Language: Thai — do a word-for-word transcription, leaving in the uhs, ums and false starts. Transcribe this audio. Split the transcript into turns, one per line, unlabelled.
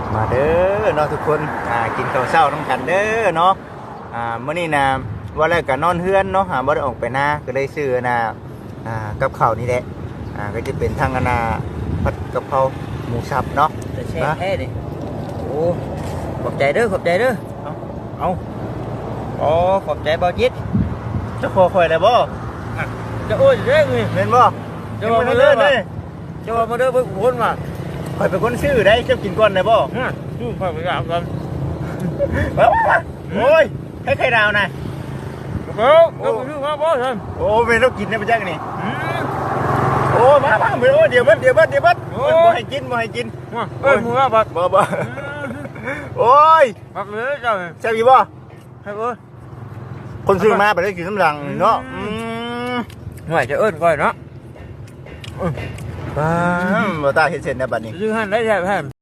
มาเด้อเนาะทุกคนอ่ากินข้าวเช้าน้ำกันเด้อเนาะอ่ามื้อนี้นะว่าแล้วก็นอนเฮือนเนาะหาบ่ได้ออกไปนาก็เลยซื้อนะอ่ากับข้าวนี่แหละอ่าก็จะเป็นทางอนนาผัดกะเพราหมูสับเนาะ
จะแช่แท้ดิโอ้ขอบใจเด้อขอบใจเด้อเอาเอาอ๋อขอบใจบ่าวจิต
จะขอข่อยได้บ่
จะโอ้ยเด้อนี่
แม่นบ่
จะว่ามาเด้อเลยจะว่ามาเด้อเพิ่นคนมา
ข่อยเป็นคนซื้อได้เจ้ากินก่อนได้บ่
ฮะดูข้อยไปกราบกัน
เอาโอ้ยให้ไข่ดาวนะ
เอ้าเดี๋ยวไปดูมาบ่ซั่น
โอ้เป็นต้องกินนะพี่แจ๊คนี่
อืม
โอ้มาบ้างเดี๋ยวเดี๋ยวเบิดเดี๋ยวเบิดเดี๋ยวเบิด
โอ้
บ่ให้กินบ่ให้กิน
มาเอ้ยมึงว่าบัด
บ่บ่โอ้ย
บักเลยเจ้านี่
แซ่บอีบ่
ให้เอ้ย
คนซื้อมาไปได้กินน้ำรังเนาะอืม
ห่วยจะเอิ้นก่อยเนาะ
บ้าบ่ตาเห็นเสร็จนะบัดนี้
ซื้อให้ได้แท้แท้